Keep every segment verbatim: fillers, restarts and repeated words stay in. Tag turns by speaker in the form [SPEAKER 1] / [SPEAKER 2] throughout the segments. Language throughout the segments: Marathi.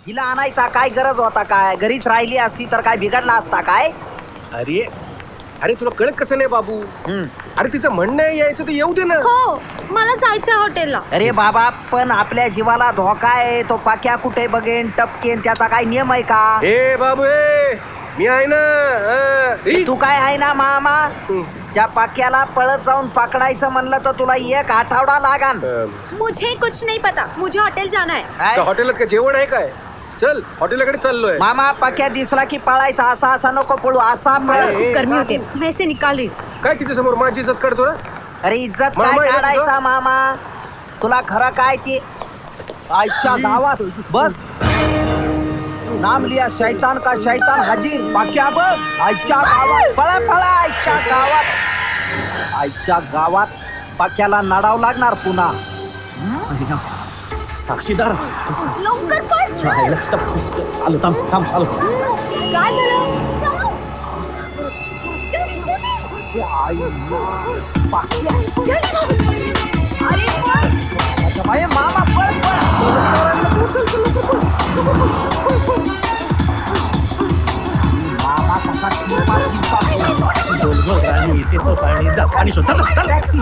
[SPEAKER 1] हिला आणायचा काय गरज होता काय? घरीच राहिली असती तर काय बिघडला असता काय?
[SPEAKER 2] अरे अरे तुला कळत कसं नाही बाबू? अरे तिचं म्हणणं आहे यायचं तर येऊ दे ना.
[SPEAKER 3] हो मला जायचं हॉटेलला.
[SPEAKER 1] अरे बाबा पण आपल्या जीवाला धोका आहे. तो पाक्या कुठे बघेन टपकेन त्याचा काय नियम आहे का?
[SPEAKER 2] ए बाबू ए मी आहे ना. हा. ई.
[SPEAKER 1] तू काय आहे ना मामा?
[SPEAKER 2] हं.
[SPEAKER 1] त्या पाक्याला पळत जाऊन पकडायचं म्हणलं तर तुला एक आठवडा लागान.
[SPEAKER 2] अं,
[SPEAKER 3] मुझे कुछ नहीं पता, मुझे होटल जाना है.
[SPEAKER 1] काय?
[SPEAKER 2] त्या हॉटेलात काय जेवण आहे काय? चल हॉटेलाकडे चाललोय.
[SPEAKER 1] मामा पाक्या दिसला की पळायचा. असा असा नको पळू असा
[SPEAKER 3] मला
[SPEAKER 1] पळ.
[SPEAKER 3] खूप गर्मी होते, मैं इसे निकाल रही.
[SPEAKER 2] काय तिच्या समोर माझी इज्जत काढतो ना?
[SPEAKER 1] अरे इज्जत
[SPEAKER 2] मामा,
[SPEAKER 1] काय
[SPEAKER 2] एक
[SPEAKER 1] काढायचा मामा? तुला खरं काय ते आजच्या गावात बघ नाम लिया शैतान का शैतान हाजीर. पाक्या बघ आजच्या गावात पळा पळा आजच्या गावात आजच्या गावात पाक्याला नडाव लागणार पुन्हा.
[SPEAKER 4] साक्षीदार
[SPEAKER 3] लवकर पळ.
[SPEAKER 4] आलो थांब थांब आलो.
[SPEAKER 3] काय झालं? चलो. चल, चल.
[SPEAKER 1] पाक्या
[SPEAKER 3] अरे पळ.
[SPEAKER 1] अरे मामा पळ पळ. मामा कसा किंपा किंपा
[SPEAKER 4] बोलगो राणी इथे तो पाणी जा पाणी शोध. चल चल
[SPEAKER 1] टॅक्सी.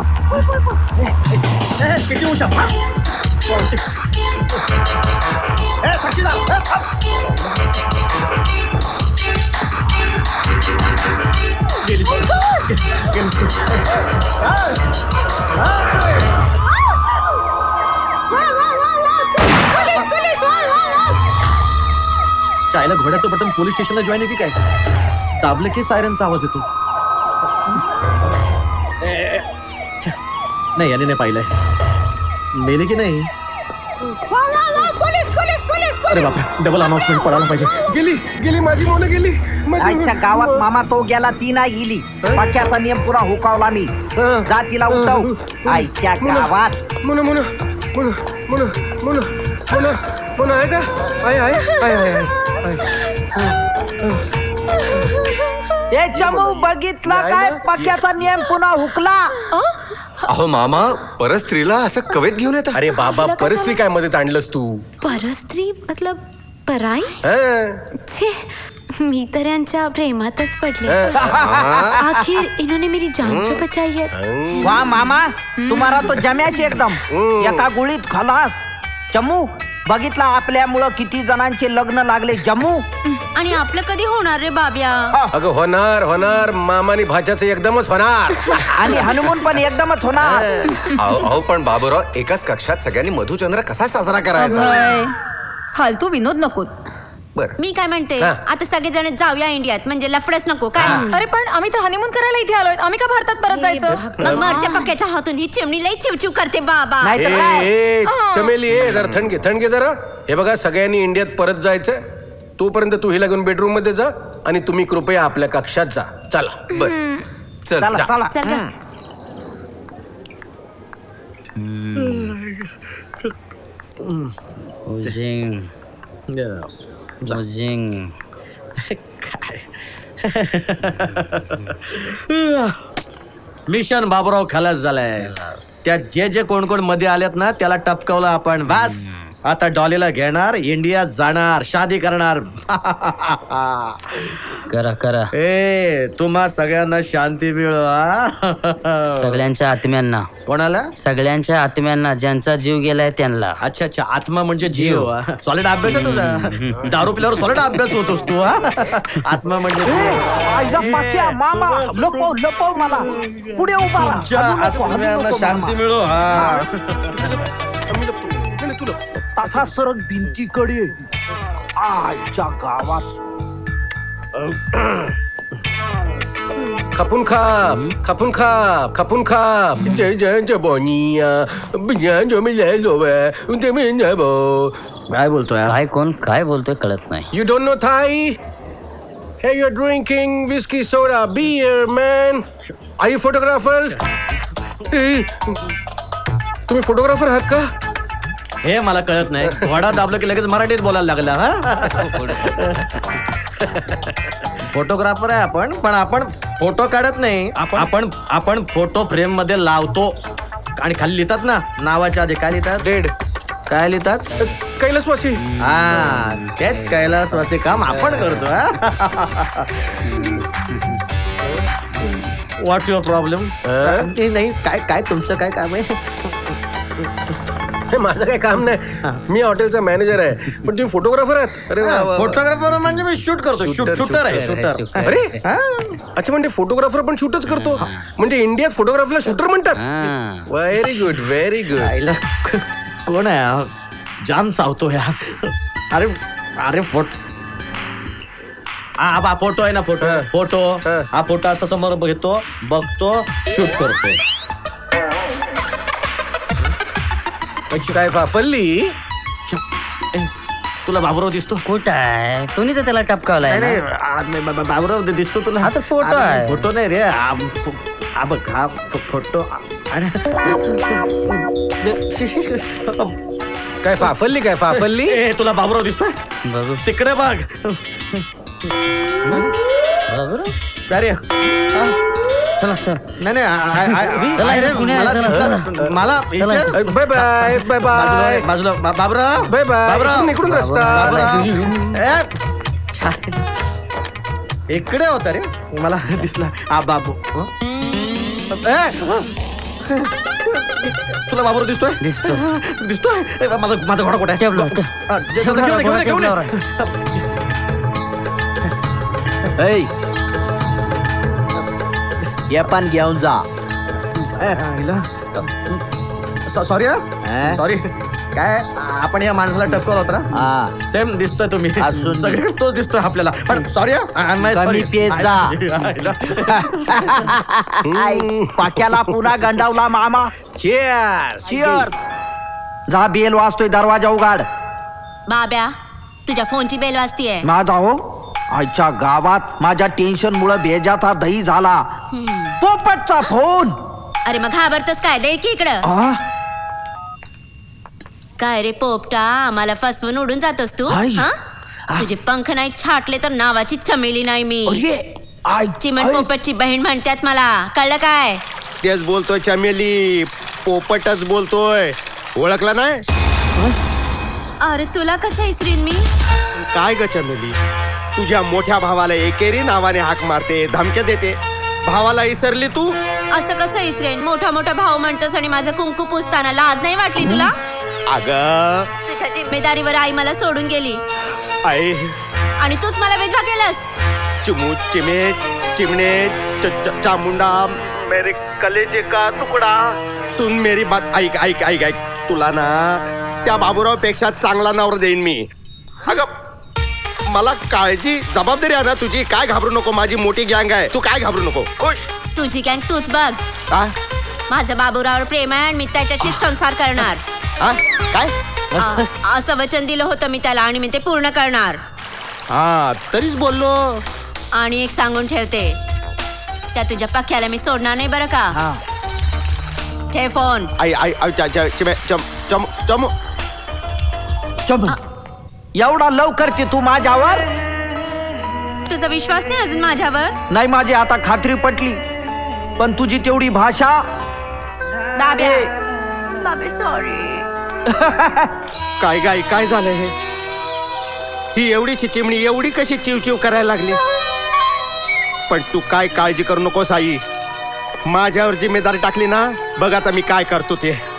[SPEAKER 4] किती उशा ए साक्षीदार ए, थांब. गेली गेली. हाय, हाय. चायला घोड्याचं बटन पोलीस स्टेशनला जॉईन आहे की काय? दाबलं की सायरनचा आवाज येतो. ए, ए, छ्या. नाही याने नाही पाहिलंय. मेले की नाही? अरे बापरे डबल अनाउन्समेंट पडायला पाहिजे.
[SPEAKER 2] गेली गेली माझी मोन गेली. माझी-
[SPEAKER 1] आजच्या गावात मामा तो गेला ती नाही गेली. पाक्याचा नियम पुरा हुकावला मी.
[SPEAKER 2] हा.
[SPEAKER 1] जा तिला उठव. आजच्या गावात
[SPEAKER 2] मुन मुन मुन मुन मुन मुन मुन आहे का? आहे आहे आहे आहे आहे.
[SPEAKER 1] ते चमू बघितला काय? पाक्याचा नियम पुन्हा हुकला.
[SPEAKER 5] अहो मामा परस्त्रीला असं कवेत घेऊन येतात.
[SPEAKER 2] अरे बाबा परिस्थिती काय मध्ये आणलंस तू?
[SPEAKER 3] परस्त्री मतलब पराई.
[SPEAKER 2] हा.
[SPEAKER 3] छे मी तर यांच्या प्रेमातच पडले.
[SPEAKER 2] हा.
[SPEAKER 3] आखिर इन्होंने मेरी जान जो बचाई है.
[SPEAKER 1] वा मामा तुम्हाला तो जम्याच एकदम एका गुळीत खलास. चमू बघितला आपल्यामुळं किती जणांचे लग्न लागले. जम्मू
[SPEAKER 3] आणि आपलं कधी होणार रे बाब्या?
[SPEAKER 2] अगं होणार होणार मामानी भाच्याचं एकदमच होणार.
[SPEAKER 1] आणि हनुमून पण एकदमच होणार.
[SPEAKER 5] अहो अहो, पण बाबूराव एकाच कक्षात सगळ्यांनी मधुचंद्र कसा साजरा करायचा?
[SPEAKER 3] फालतू विनोद नको.
[SPEAKER 5] बर
[SPEAKER 3] मी काय म्हणते
[SPEAKER 2] हा.
[SPEAKER 3] आता सगळेजण जाऊया इंडियात म्हणजे लफडच नको काय?
[SPEAKER 6] अरे पण आम्ही तर हनीमून करायला इथे आलोय. आम्ही का भारतात परत जायचं?
[SPEAKER 3] मग मरत्या पक्याच्या हातून ही चिमणी लई चिवचिव करते बाबा.
[SPEAKER 1] नाही
[SPEAKER 2] ए,
[SPEAKER 1] तर काय?
[SPEAKER 2] ए, चमेली ए जरा थंड घे थंड घे जरा. हे बघा सगळ्यांनी इंडियात परत जायचं. तोपर्यंत तू हिला घेऊन बेडरूम मध्ये जा आणि तुम्ही कृपया आपल्या कक्षात जा. चला.
[SPEAKER 5] बर चल
[SPEAKER 1] चला
[SPEAKER 5] जा.
[SPEAKER 1] चला.
[SPEAKER 3] चल ग.
[SPEAKER 7] उजिंग उजिंग
[SPEAKER 4] मिशन बाबूराव खलास झालाय. त्यात जे जे कोण कोण मध्ये आल्यात ना त्याला टपकवलं आपण. बस आता डॉलीला घेणार इंडियात जाणार शादी करणार.
[SPEAKER 7] करा करा
[SPEAKER 4] ए तुम्हा सगळ्यांना शांती मिळो. हा?
[SPEAKER 7] सगळ्यांच्या आत्म्यांना
[SPEAKER 4] कोणाला?
[SPEAKER 7] सगळ्यांच्या आत्म्यांना ज्यांचा जीव गेलाय त्यांना.
[SPEAKER 4] अच्छा अच्छा आत्मा म्हणजे जीव. सॉलिड अभ्यास आहे तुझा. दारू पिल्यावर सॉलिड अभ्यास होतोस तू. हा? आत्मा म्हणजे
[SPEAKER 1] आईला पाक्या मामा लपव लपव मला. पुढे उभा राहा.
[SPEAKER 4] तुमच्या
[SPEAKER 1] हलू नको, हलू
[SPEAKER 4] आत्म्यांना
[SPEAKER 1] नको
[SPEAKER 4] शांती
[SPEAKER 1] मामा.
[SPEAKER 4] मिळो. हा
[SPEAKER 2] आम्ही लपतो. नाही, नाही, तू लप.
[SPEAKER 1] तसा सरक भिंतीकडे आजच्या गावात
[SPEAKER 2] खपून खाप खपून खाप खपून खाप. जय जय जय बोनिया बिया जो मी जय लोवे उनते मी जय बो.
[SPEAKER 4] काय बोलतोय?
[SPEAKER 7] काय कोण काय बोलतोय कळत नाही.
[SPEAKER 2] You don't know Thai? Hey, you're drinking whiskey, soda, beer, man. Are you photographer? ए, तुम्ही फोटोग्राफर आहात का?
[SPEAKER 4] हे मला कळत नाही. घोडा दाबलं की लगेच मराठीत बोलायला लागला. हा फोटोग्राफर आहे आपण पण आपण फोटो काढत नाही. आपण आपण फोटो फ्रेम मध्ये लावतो आणि खाली लिहितात ना नावाच्या आधी काय लिहितात?
[SPEAKER 2] डेड
[SPEAKER 4] काय लिहितात
[SPEAKER 2] कैलासवासी.
[SPEAKER 4] हा तेच कैलासवासी काम आपण करतो. What's your problem? नाही काय काय तुमचं काय काम आहे?
[SPEAKER 2] हे माझं काही काम नाही, मी हॉटेलचा मॅनेजर आहे. पण तुम्ही फोटोग्राफर आहात? अरे वा, वा, वा.
[SPEAKER 4] फोटोग्राफर म्हणजे मी शूट करतो. शूट
[SPEAKER 2] Shooter,
[SPEAKER 4] शूटर आहे
[SPEAKER 7] shooter,
[SPEAKER 4] शूटर.
[SPEAKER 7] shooter.
[SPEAKER 2] अरे
[SPEAKER 4] हा?
[SPEAKER 2] अच्छा, म्हणजे फोटोग्राफर पण शूटच करतो. म्हणजे इंडियात फोटोग्राफीला शूटर म्हणतात.
[SPEAKER 7] हा.
[SPEAKER 2] Very good, very good.
[SPEAKER 4] आईला कोण आहे हा? जाम चावतो या. अरे अरे फोट हा बा फोटो आहे ना, फोटो
[SPEAKER 2] हा.
[SPEAKER 4] फोटो
[SPEAKER 2] हा.
[SPEAKER 4] हा फोटो असा समोर बघतो, बघतो, शूट करतो.
[SPEAKER 2] काय फाफल्ली?
[SPEAKER 4] तुला बाबुराव दिसतो?
[SPEAKER 7] कुठं आहे? तुम्ही तर त्याला टपकावलाय
[SPEAKER 4] नाही
[SPEAKER 7] ना.
[SPEAKER 4] नाही, आ, नाही, बा- बा- बाबुराव दिसतो तुला?
[SPEAKER 7] हा तर फोटो
[SPEAKER 4] अरे,
[SPEAKER 7] आहे.
[SPEAKER 4] फोटो नाही रे. आ, फो- आ, बघ हा फो- फोटो. अरे
[SPEAKER 2] काय फाफल्ली? काय फाफल्ली?
[SPEAKER 4] ए, तुला बाबुराव दिसतोय?
[SPEAKER 7] बघू
[SPEAKER 4] तिकडे बघ.
[SPEAKER 7] बघू रे.
[SPEAKER 4] अरे हा?
[SPEAKER 7] चला चल.
[SPEAKER 4] नाही नाही आ- आ- आ-
[SPEAKER 7] चला,
[SPEAKER 4] आ- रे,
[SPEAKER 7] पुण्या,
[SPEAKER 4] मला
[SPEAKER 7] चला,
[SPEAKER 4] दिसलं.
[SPEAKER 7] चला.
[SPEAKER 4] मला
[SPEAKER 7] चला.
[SPEAKER 4] इथे-
[SPEAKER 2] बाय बाय बाय
[SPEAKER 4] बाजूला
[SPEAKER 2] बाय
[SPEAKER 4] बाजूला बा- बाबुराव
[SPEAKER 2] बाय बाय.
[SPEAKER 4] बाबुराव
[SPEAKER 2] इकडून- इकडून रस्ता.
[SPEAKER 4] बाबुराव. ए, इकडे होता रे, मला दिसला. आ बाबू हं? ए, तुला बाबुराव दिसतोय?
[SPEAKER 7] दिसतो.
[SPEAKER 4] दिसतोय? ए, माझा माझा घोडा कुठे आहे?
[SPEAKER 7] टेबलावर.
[SPEAKER 4] आ, जे- जे- घेऊन ये, घेऊन ये, घेऊन ये.
[SPEAKER 1] ऐ, ये पण घेऊन जा.
[SPEAKER 4] ए, हिला. सॉ- सॉरी हा
[SPEAKER 1] अं?
[SPEAKER 4] सॉरी. काय आपण या माणसाला टपकवलं होतं ना?
[SPEAKER 1] हा,
[SPEAKER 4] सेम दिसतोय तुम्ही.
[SPEAKER 1] असून दे.
[SPEAKER 4] सगळीकडे तोच दिसतोय आपल्याला. पण सॉरी
[SPEAKER 1] कमी पेत जा. ऐ, पाक्याला पुन्हा गंडावला मामा.
[SPEAKER 2] Cheers.
[SPEAKER 1] Cheers. जा, बेल वाजतोय, दरवाजा उघाड.
[SPEAKER 3] बाब्या, तुझ्या फोनची बेल वाजतीये.
[SPEAKER 1] माझा हो आजच्या गावात माझ्या टेन्शन मुळे भेजाचा दही झाला.
[SPEAKER 3] हम्म.
[SPEAKER 1] पोपटचा फोन.
[SPEAKER 3] अरे मग घाबरतोस काय? दे की इकडं.
[SPEAKER 1] आ?
[SPEAKER 3] काय रे पोपटा, आम्हाला फसवून उडून जातोस तू?
[SPEAKER 1] आई.
[SPEAKER 3] हा?
[SPEAKER 1] आ.
[SPEAKER 3] तुझे पंख नाही छाटले तर नावाची चमेली नाही मी.
[SPEAKER 1] अरे, आय,
[SPEAKER 3] चिमण
[SPEAKER 1] आय.
[SPEAKER 3] पोपटची बहीण म्हणतात मला. कळलं काय?
[SPEAKER 5] तेच बोलतोय चमेली, पोपटच बोलतोय. ओळखला नाही?
[SPEAKER 3] अरे तुला कसं इसरीन मी?
[SPEAKER 5] काय ग चमेली, तुझ्या मोठ्या भावाला एकेरी नावाने हाक मारते, धमक्या देते. भावाला विसरली तू?
[SPEAKER 3] असं कसं इसरेन? मोठा मोठा भाऊ म्हणतोस आणि माझं कुंकू पुसताना लाज नाही वाटली तुला?
[SPEAKER 5] अग
[SPEAKER 3] तुझ्या जिम्मेदारीवर आई मला सोडून गेली
[SPEAKER 5] आई,
[SPEAKER 3] आणि तूच मला विधवा केलंस.
[SPEAKER 5] चिमू चिमे चिमणे च- च- चामुंडा मेरे कलेजे का तुकडा. सुन मेरी बात, ऐक ऐक ऐक ऐक. तुला ना त्या बाबूराव पेक्षा चांगला नवरा देईन मी. अगं मला काळजी जबाबदारी आहे ना तुझी. काय घाबरू नको, माझी मोठी गँग आहे, तू काय घाबरू नको. ओय.
[SPEAKER 3] तुझी गँग तूच बघ.
[SPEAKER 5] आ?
[SPEAKER 3] माझं बाबूरावर प्रेम आहे आणि मी त्याच्याशीच संसार करणार.
[SPEAKER 5] आ? काय
[SPEAKER 3] आ- असं वचन दिलं होतं मी त्याला आणि मी ते पूर्ण करणार.
[SPEAKER 5] हा तरीच बोललो.
[SPEAKER 3] आणि एक सांगून ठेवते, त्या तुझ्या पक्क्याला मी सोडणार नाही बरं का.
[SPEAKER 1] हा.
[SPEAKER 3] ठेव फोन.
[SPEAKER 5] आई आई आई च- च- चिमे चम चम चमू.
[SPEAKER 1] चम. एवढा लव करते तू माझ्यावर?
[SPEAKER 3] तुझा विश्वास नाही अजून माझ्यावर?
[SPEAKER 1] नाही, माझी आता खात्री पटली. पण तुझी तेवढी भाषा.
[SPEAKER 3] बाब्या,
[SPEAKER 1] ए.
[SPEAKER 3] बाबे सॉरी.
[SPEAKER 5] काय गाय काय झालं हे? ही एवढीची चिमणी एवढी कशी चिवचिव करायला लागली? पण तू काय काळजी करू नकोस आई. माझ्यावर जिम्मेदारी टाकली ना, बघ आता मी काय करतो ते.